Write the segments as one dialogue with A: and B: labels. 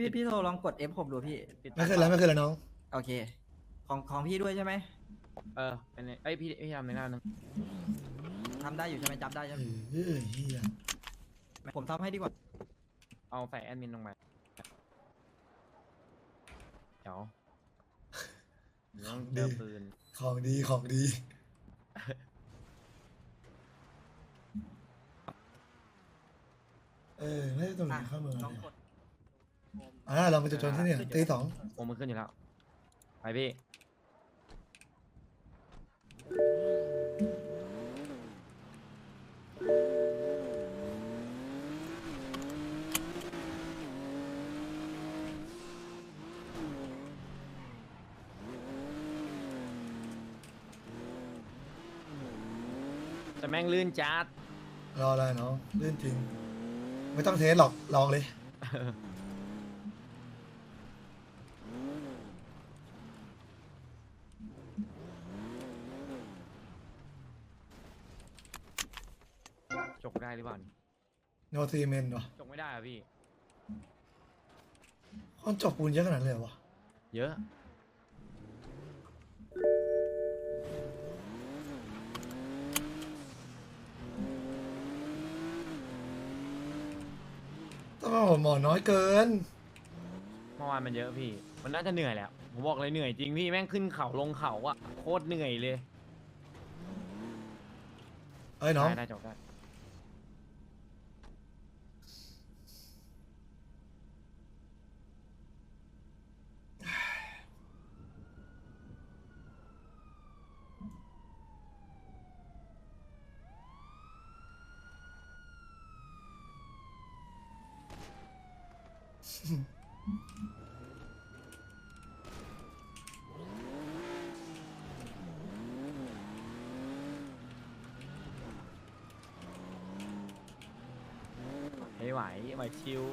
A: พี่โทรลองกด F6 ดูพี่
B: ไม่ขึ้นแล้วไม่ขึ้นแล้วน้อง
A: โอเคของพี่ด้วยใช่ไหม
C: เป็นไงพี่ทำในหน้านึง
A: ทำได้อยู่ใช่ไหมจับได้ใช่ไหม
B: เฮีย
A: ผมทำให้ดีกว่า
C: เอาใส่แอดมินลงไปเดี๋ยวต้องเจอปืน
B: ของดีของดีไม่ได้ตรงไหนเข้าเมือง
A: ลอง
B: เลย
A: กด
B: เรามาจะจนที่นี่ตีสอง
C: โอ้มันขึ้นอยู่แล้วไปพี่แต่แม่งลื่นจัด
B: รออะไรน้องเล่นจริง ไม่ต้องเทสหรอกลองเลย
C: จกได้หรือเปล่า
B: โนซีเมนต์วะ
C: จกไม่ได้อะพี่
B: คนจบปูนเยอะขนาดนั้นเลยเหรอวะ
C: เยอะ
B: ต้องหมอน้อยเกิน
C: เมื่อวานมันเยอะพี่ มันน่าจะเหนื่อยแหละผมบอกเลยเหนื่อยจริงพี่แม่งขึ้นเขาลงเขาอะโคตรเหนื่อยเลย
B: น้อง
C: ได้จกได้ไหวชิว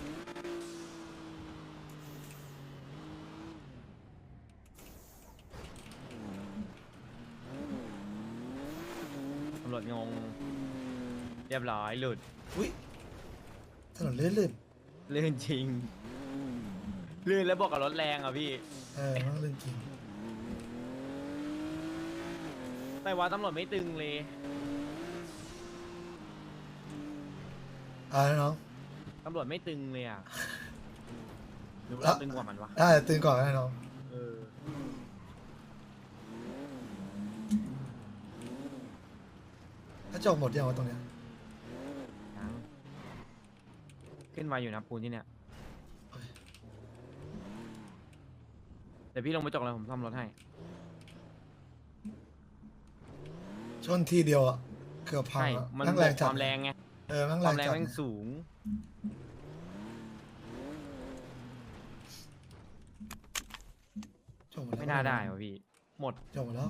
C: ตำรวจงงเรียบร้อยหลุด
B: อุ้ยถนนลื่น
C: ลื่นจริง ลื่นแล้วบอกกับรถแรงอ่ะพี่
B: มันลื่นจริง
C: แต่ว่าตำรวจไม่ตึงเลย
B: น้อง
C: ตำรวจไม่ตึงเลยอ่ะหรือ
B: แล้
C: ว่าว ตึงกว่ามันวะ
B: ได้ตื่นก่อนนะน้อง
C: เออ
B: ถ้าจบหมดยังวะตรงเนี้ย
C: ยังขึ้นมาอยู่นะปูนที่เนี่ยเดี๋ยวพี่ลงไปจกเลยผมซ่อมรถให้
B: ชนทีเดียวอ่ะเกือบพัง
C: ใช่
B: อะ
C: มัน
B: นั่ง
C: บ
B: แร
C: วก
B: ง
C: ค
B: จัด
C: วามแรงไง
B: นั่ง
C: ค
B: แร
C: วาม
B: ง
C: แรง
B: จัด
C: แม่งสูง
B: จบหมดแล้ว
C: ไม่น่าได้วะพี่ หมด
B: จบหมดแล้ว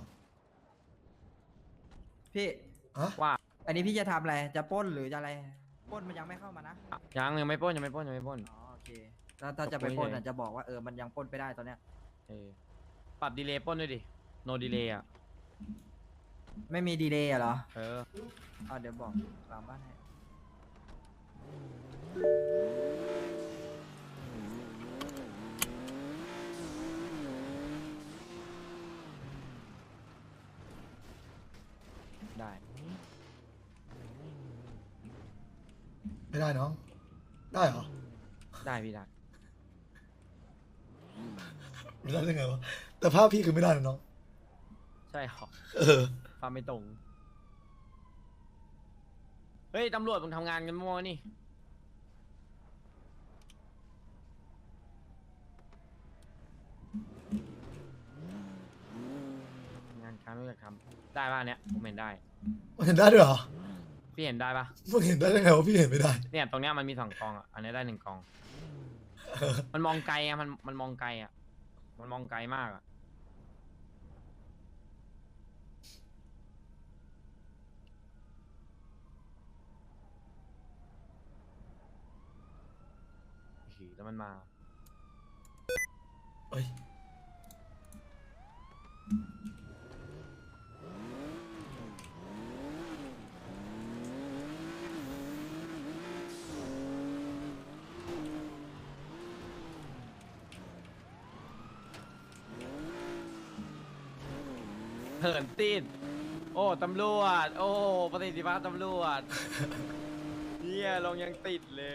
A: พี่
C: ว่า
A: อันนี้พี่จะทำอะไรจะปล้นหรือจะอะไรปล้นมันยังไม่เข้ามานะ
C: ยังไม่ปล้นยังไม่ปล้นยังไม่ปล้น
A: อ๋อโอเคถ้าจะไปปล้นอ่ะจะบอกว่ามันยังปล้นไปได้ตอนเนี้ย
C: เออปรับดีเลย์ปล้นด้วยดิ โนดีเลย์อ่ะ
A: ไม่มีดีเลย์เหรอ
C: เออ
A: เดี๋ยวบอกหลังบ้านให้
C: ได้
B: ไม่ได้น้อง ได้เหรอ
C: ได้พี่ได้
B: ไม่ได้ได้ไงวะแต่ภาพพี่คือไม่ได้นะน้อง
C: ใช่หรอ
B: อ
C: ความไม่ตรง เฮ้ย ตำรวจมึงทำงานกันมั่วนี่ งานการไม่อยากทำได้ป่ะเนี้ยผมเห็นได้
B: มันเห็นได้ด้วยเหรอ
C: พี่เห็นได้ป่ะ
B: มึงเห็นได้ยังไงวะพี่เห็นไม่ได้
C: เนี่ยตรงเนี้ยมันมี2 กองอ่ะ อันนี้ได้1 กอง มันมองไกลอ่ะมันมองไกลอ่ะ มันมองไกลมากอ่ะ แล้วมันมา
B: เฮ้ย
C: เหินติดโอ้ตำรวจโอ้ประสิทธิภาพตำรวจเนี่ยลงยังติดเลย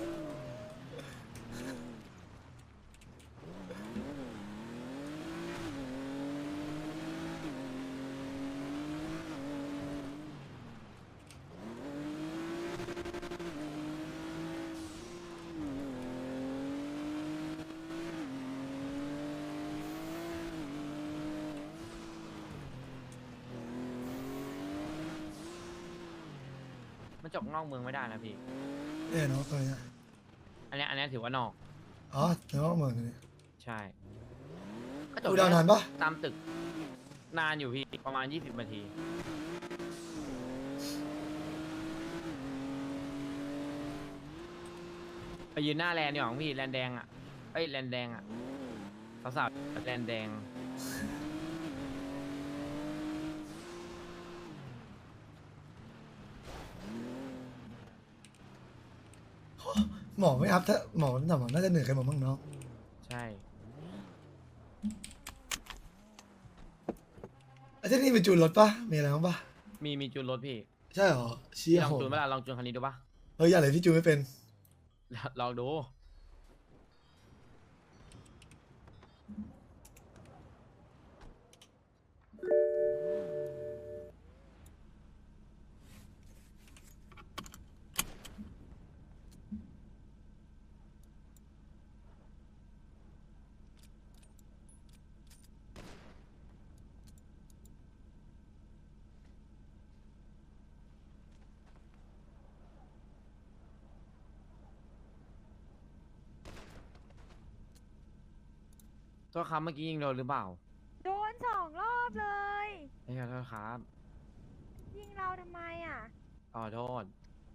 C: มันจบนอกเมืองไม่ได้นะพี่
B: เนี่ยน้องตัวเนี้ย
C: อันเนี้ยถือว่านอก
B: อ๋อเดี๋ยวเหมือนกัน
C: ใช่ก็
B: ดูดาวนานปะ
C: ตามตึกนานอยู่พี่ประมาณ20 นาทีไปยืนหน้าแลนด์ดีกว่าของพี่แลนด์แดงอ่ะเอ้ยแลนด์แดงอ่ะสาวๆแลนด์แดง
B: หมอไม่อัพถ้าหมอหมอน่าจะเหนื่อยกันหมดมั้งน้อง
C: ใช่
B: ไอ้ที่นี่เป็นจูนรถปะมีอะไรบ้างปะ
C: มีจูนรถพี่
B: ใช่เหรอเชี้
C: พี่ลอง
B: โห
C: จูนเวลาลองจูนคันนี้ดูปะ
B: เฮ้ยอะไรพี่จูนไม่เป็น
C: ลองดู ตัวคำเมื่อกี้ยิงโดนหรือเปล่า
D: โดน2 รอบเลย
C: ไม่ขอโทษครับ
D: ยิงเราทำไมอ่ะ
C: ขอโทษ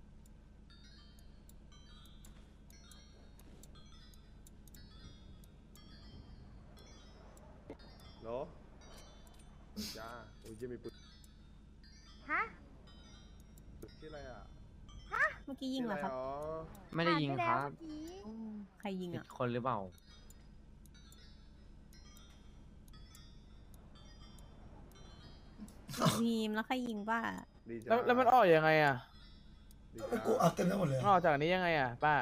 E: โหลจ้าโอ้ยยังมีปืน
D: ฮะ
E: ชื่ออะไรอ่ะ
F: เมื่อกี้ยิงเหรอครับ
E: ชื่ะไ
C: ไม่ได้ยิง
D: ผ่านป
C: ค
D: แล้ว
C: รับ
D: เมื่อกี้
F: ใครยิง
C: ผิด
F: อ่ะ
C: คนหรือเปล่า
F: พีมแล้วใครยิงป้า
E: ดีจ้า
G: แล้วมันออกยังไงอ่ะ
E: ดี
B: มัน
E: จ้า
B: กูอัพเต็มไปหมดเลย
G: มันออกจากอันนี้ยังไงอ่ะป้า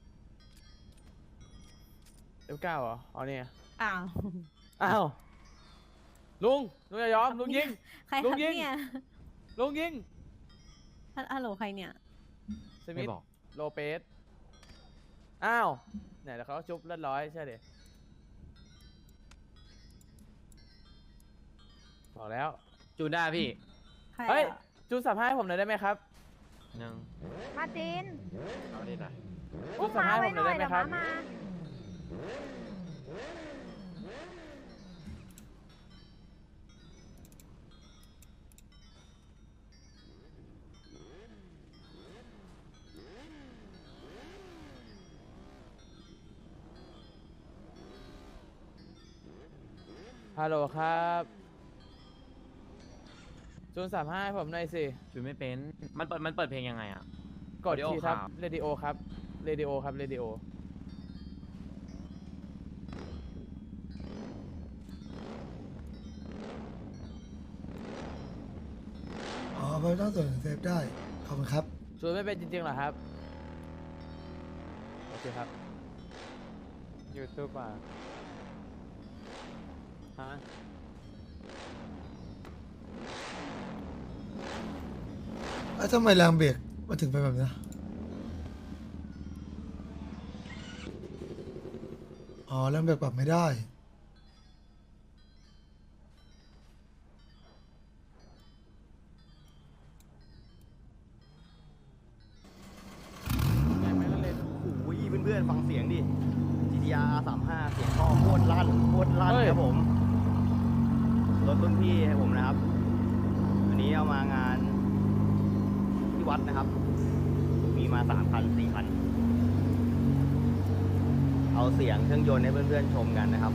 G: F9เหรออ๋อเนี่ย
F: อ้าว
G: อ้าวลุงอย่ายอมลุงยิง
F: ใคร
G: ลุ
F: ครับ
G: งยิง
F: เนี่ย
G: ลุงยิง
F: ฮัลโหลใครเนี่ย
G: สมิ
C: ไม่
G: ธ
C: บอก
G: โลเปสอ้าวเนี่ยแล้วเขาก็ชุบเลือดร้อยใช่เด็บอกแล้ว
C: จูนได้พี่
F: ใคร
G: เฮ้ย
F: อ่ะ
G: จูนสับให้ผมหน่อยได้ไหมครับ
C: หนึ่ง
D: มาร์ติน
C: เอาได้หน่อย
G: อุ้
D: อุ้
G: ม
D: ม
G: สับ
D: ม้า
G: ให้
D: ไว้
G: ผม
D: ห
G: หน่
D: น่
G: อ
D: อย ย
G: ได้ไหม
D: เดี๋ยว
G: ครั
D: ม้า
G: บ
D: มา
G: ฮัลโหลครับจูนสับให้ผมหน่อยสิ
C: จูนไม่เป็น มันเปิดเพลงยังไงอ่ะ
G: กด
C: Audio
G: ทีครับ
C: ครับ
G: เรดิโอครับเรดิโอครับเรดิโอ
B: อ๋อไม่ต้องส่วนเซฟได้ขอบคุณครับ
G: จูนไม่เป็นจริงๆเหรอครับ โอเคครับ ยูทูบอ่ะฮะ
B: แล้วทำไมแรงเบรกมาถึงไปแบบนี้อ๋อแรงเบรกปรับไม่ได้
G: ไม่ต้องเล่น
H: โอ้ยเพื่อนๆฟังเสียงดิ GTR 35เสียงท่อโคตรลั่นครับผม รถรุ่นพี่ให้ผมนะครับ วันนี้เอามางานที่วัดนะครับ มีมา3 คัน 4 คัน เอาเสียงเครื่องยนต์ให้เพื่อนๆชมกันนะครับ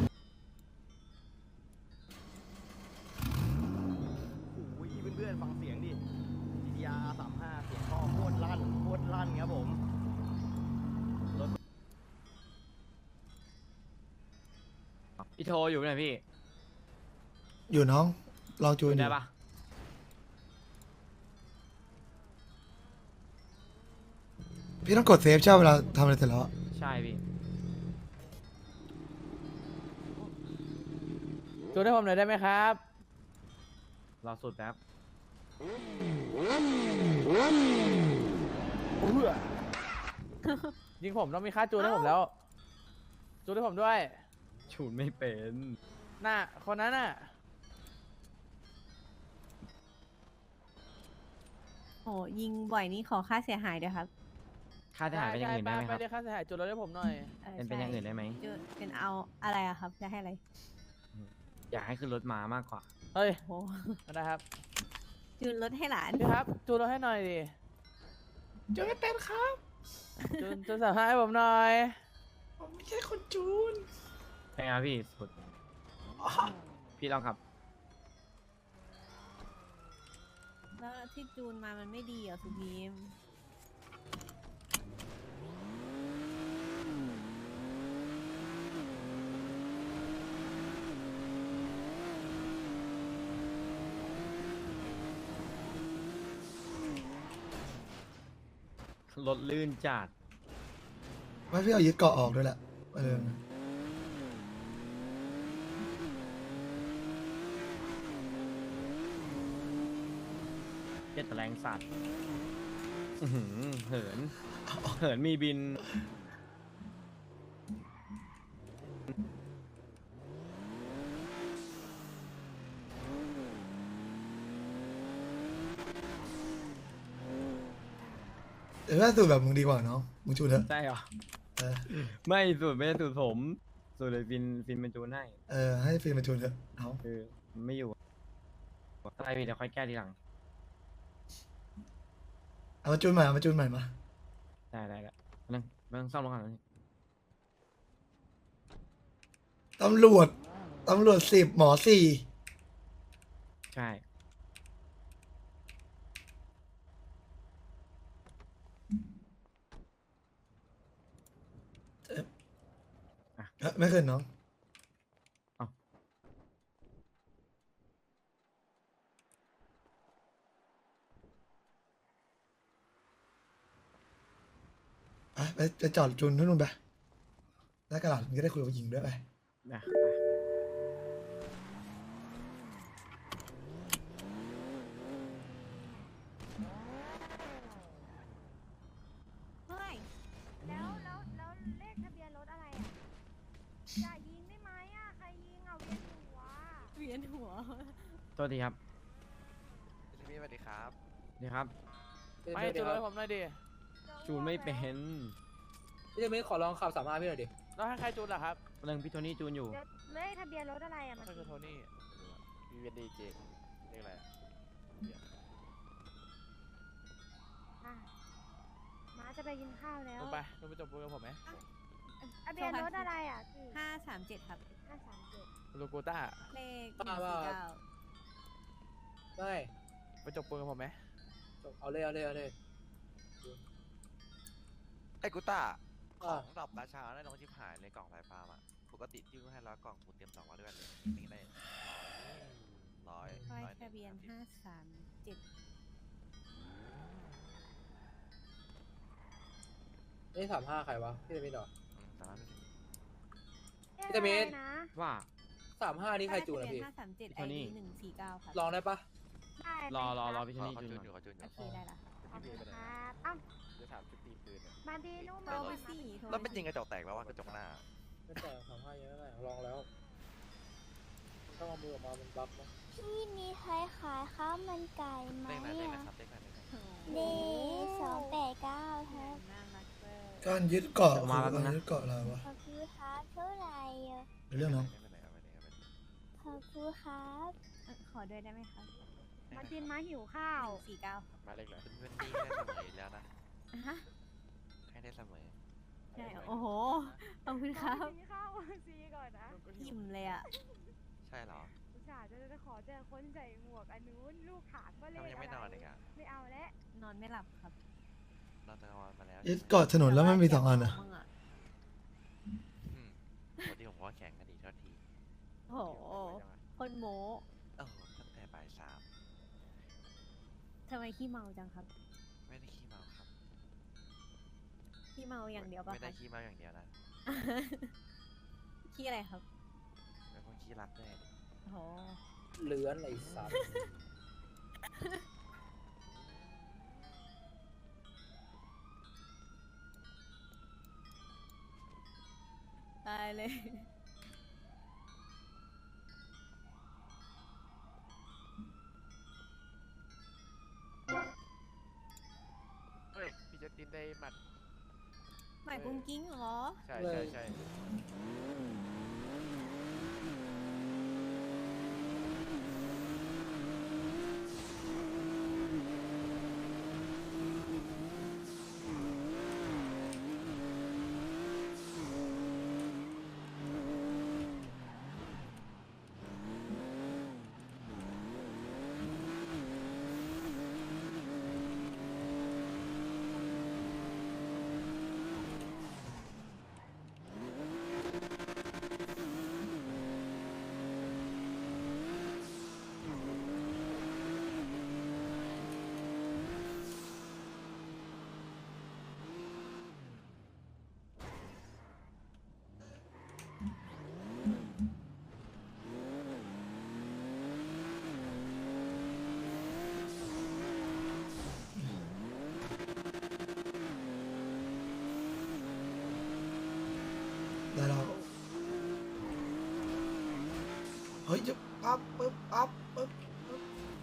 H: โอ้ยเพื่อนๆฟังเสียงดิ GTR 35เสียงท่อโคตรลั่นครับผม
C: พี่โทรอยู่ไหนพี่
B: อยู่น้องลองจูน
C: ได้
B: ดู
C: ปะ
B: พี่ต้องกดเซฟใช่ไหมเวลาทำอะไรเสร็จแล้วอะ
C: ใช่พี่
G: จูนให้ผมหน่อยได้ไหมครับ
C: รอสุดแป๊บ
G: ยิงผมต้องมีค่าจูนให้ผมแล้ว จูนให้ผมด้วย
C: ชูนไม่เป็น
G: น่ะคนนั้นน่ะ
F: โหยิงบ่อยนี่ขอค่าเสียหายด้วยครับ
C: ค่าเสียหายเป็นอย่างอื่นได้ไหมครับ
G: ไปเรียกค่าเสียหายจูนรถให้ผมหน่อย
C: เป็นอย่างอื่นได้ไหม
F: จูนเป็นเอาอะไรอะครับ จะให้อะไร
C: อยากให้ขึ้นรถมามากกว่า
G: เฮ้ย
F: โห
G: นะครับ
F: จูนรถให้หลาน
G: พี่ครับ จูนรถให้หน่อยดิ
B: จูนไม่เป็นครับ
G: จูนสามารถให้ผมหน่อย
B: ผมไม่ใช่คนจูน
C: เป็นไงพี่สุด พี่ลองขับ
F: แล้วที่จูนมามันไม่ดีเหรอสุพีม
C: รถลื่นจัด
B: ไม่พี่เอายึดเกาะออกด้วยแหละ
C: เจ็ดแรงสัตว์อื้อหือเหิน เหินมีบิน
B: แต่ถ้าสูตรแบบมึงดีกว่าน้องมึงจูนเถอะ
C: ใช่เหรอ
B: เออ
C: ไม่สูตรไม่ใช่สูตรผม สูตรเลยฟินเป็นจูนให้
B: ให้ฟิล์มมาจูนเถอะเอา
C: คือมันไม่อยู่อะไรพี่เดี๋ยวค่อยแก้ทีหลัง
B: เอามาจูนใหม่เอามาจูนใหม่มา
C: ได้นั่งนั่งซ่อมรถก่อนนะ
B: ตำรวจ 10 หมอ 4
C: ใช่
B: ไม่ขึ้นน้อง
C: เอ้า
B: ไปจอดจูนที่นู่นไปแล้วกระดาษมึงจะได้คุยกับผู้หญิงด้วยไป
C: นะไป
F: เฮ้ย
D: แล้วเลขทะเบียนรถอะไรอ่ะ อย่ายิงได้ไหมอ่ะ ใครยิงอ่ะเวียนหัว
F: เวียนหัว
C: โทษทีครับ
E: พี่สวัสดีครับ
C: นี่ครับ
G: ไม่จูนรถให้ผมหน่อยดิ
C: จูนไม่เป็น
I: พี่จะไม่ขอลองขับ35พี่หน่อยดิ
G: แล้วให้ใครจูนล่ะครับ
C: เรื่องพี่โทนี่จูนอยู่
D: เดี๋ยวเลขทะเบียนรถอะไรอ่ะ
G: ก็
D: มัน
G: คือโทนี่
E: วีเวนดีเจเรียกอะไรอะ
D: อ่ะม้าจะไปกินข้าวแล้ว
G: ลงไปลงไปจบปูนกับผมไหม
D: ทะเบียนรถอะไรอ่ะพี่
F: 537 ครับ
D: 537
G: ลูกูต้า
F: เลข
I: บ้า
F: 149
I: ไม่
G: ไปจบปูนกับผมไหม
I: เอาเลย
E: ไอ้กูต้าข
I: อ่ะ
E: องดอกราชาได้น้องชิบหายเลยกล่องไฟฟ้าอ่ะปกติที่กูให้100 กล่องกูเตรียม200ด้วยเลยนี่ได้ร้อย
F: ป้าย
E: ร้อย
F: ทะเบียน 537
I: นี่35ใครวะพี่จะมีหรอ
E: สามารถ
I: พี่ตะเมธ
D: นะ
C: ว่า
I: 35นี่ใครจูนอะพี่
F: 537
C: โทนี่
F: ID 149 ครับ
I: ลองได้ปะ
D: ได้
C: รอพี่โทนี่
E: เขา
C: จูน
E: จูนอยู่
C: ก่อน
E: เขาจูนอ
F: โอยู่ เคได้ละครับ
D: ขอบคุณครับอ้าว
E: จะถามชุดตีปืนเนี่ย
D: มาดีนุ่ม
F: โทรมาสิโทร
E: แล้ว
F: มา
E: เป็นยิงกระจกแตกแล้วว่ากระจกหน้า
I: ไม่แต่35เยอะเลยลองแล้วต้องเอามือออกมามันบัฟนะ
J: พี่มีใครขายข้าวมันไก่ไหม
E: เลขไหน
J: อ่ะ
E: ครับเลขไหน
J: เด289ครับ
F: น่ารักเวอร์
B: การยึดเกาะ
C: ออกมาแล้ว
B: การ
C: นะ
B: ยึดเกาะอะไรวะ
J: ขอบคุณครับเท่าไหร่อ่ะ
B: เรื่องน้อง
J: ขอบคุณครับ
F: ขอด้วยได้ไหมครับ
D: มาจินมาหิวข้าว
F: 149 ครับ
E: มาเลขไหนเพื่อนนี่ได้เสมออยู่แล้วนะ
F: อ่ะฮะ
E: ให้ได้เสมอ
F: ใช่โอ้โห ขอบคุณครับ
D: กินข้าวซีก่อนนะ
F: อิ่มเลยอ่ะ
E: ใช่เหรอ
D: อุตส่าห์จะขอเจอคนใส่หมวกอันนู้นลูกถามว่าเล
E: ทำ
D: ข
E: ไม
D: อะไร
E: ยังไม่นอนอีกอ่ะ
D: ไม่เอาแล้ว
F: นอนไม่หลับครับ
E: นอนตะวันมาแล้ว
B: ยึดเกาะถนนแล้วมันมี2 อันอะ
F: มึงอะ
E: ปกติผมว่าแข่งกันดีเท่าที
F: โอ้โห คนโม
E: ตั้งแต่ไปบ่ายสาม
F: ทำไมขี้เมาจังครับ
E: ไม่ได้ขี้เมาครับ
F: ขี้เมาอย่างเดียวปะ
E: ไม่ได้
F: คะ
E: ขี้เมาอย่างเดียวนะ
F: ขี้อะไรครับ
E: เป็นคนขี้รักด้วยดิ
F: อ๋อ
I: เลื้อนไอ้สัตว์
F: ตายเลย
C: เฮ้ยพี่จะตินได้หมัด
F: หมายกุ้งกิ้งเหรอ
C: ใช่ใช่ใช่
B: ได้แล้วเฮ้ยจะปั๊บปึ๊บปั๊บปึ๊บปึ๊บ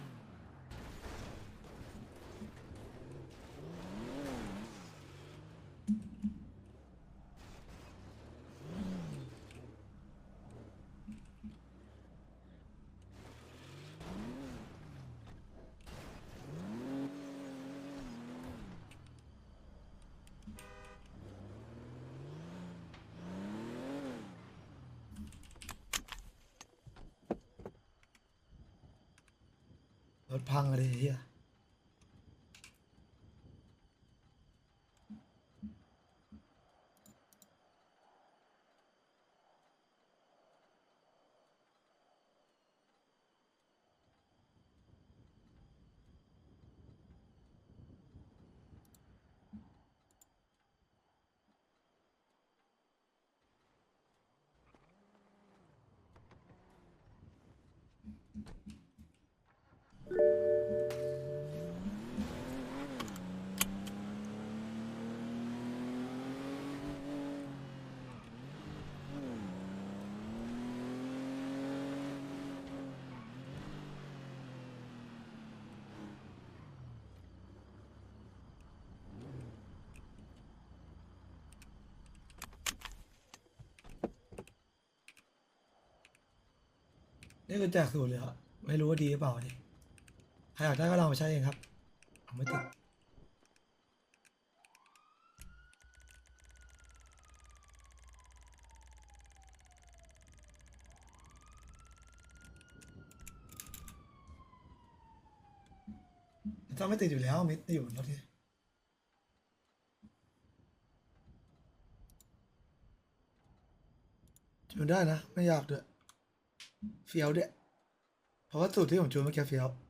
B: รถพังอะไรเฮียนี่คือแจกสูตรเลยอะไม่รู้ว่าดีหรือเปล่าดิใครอยากได้ก็ลองไปใช้เองครับผมไม่ติดถ้าไม่ติดอยู่แล้วมิดอยู่บนรถที่จูนได้นะ ไม่อยากด้วยเฟี้ยวด้วยเพราะว่าสูตรที่ผมจูนเมื่อกี้เฟี้ยว